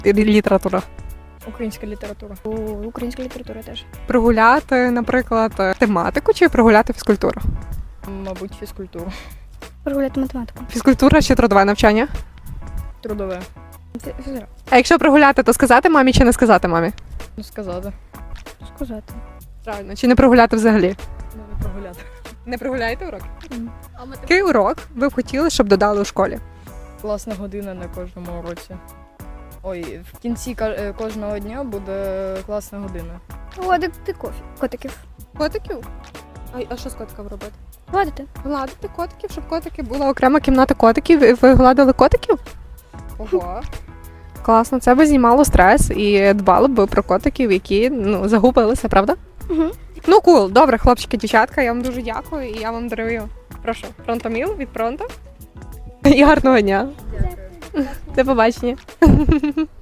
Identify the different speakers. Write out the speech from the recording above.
Speaker 1: література?
Speaker 2: Українська література.
Speaker 3: Українська література теж.
Speaker 1: Прогуляти, наприклад, тематику чи прогуляти фізкультуру?
Speaker 2: Мабуть, фізкультуру.
Speaker 3: Прогуляти математику.
Speaker 1: Фізкультура чи трудове навчання?
Speaker 2: Трудове.
Speaker 3: Фізра.
Speaker 1: А якщо прогуляти, то сказати мамі чи не сказати мамі?
Speaker 2: Ну, сказати.
Speaker 3: Сказати.
Speaker 1: Правильно. Чи не прогуляти взагалі?
Speaker 2: Ну, не прогуляти.
Speaker 1: Не прогуляєте урок?
Speaker 3: Ні.
Speaker 1: Який урок ви б хотіли, щоб додали у школі?
Speaker 2: Класна година на кожному уроці. Ой, в кінці кожного дня буде класна година.
Speaker 3: Гладити котиків.
Speaker 1: Котиків? А що з котиком робити?
Speaker 3: Гладити.
Speaker 1: Гладити котиків, щоб котики була окрема кімната котиків, і ви гладили котиків? Ого. Класно, це би знімало стрес і дбало б про котиків, які загубилися, правда?
Speaker 3: Угу.
Speaker 1: Ну, кул, добре, хлопчики, дівчатка, я вам дуже дякую і я вам дарую, прошу, фронтоміл від фронту. І гарного дня.
Speaker 2: Дякую.
Speaker 1: До побачення.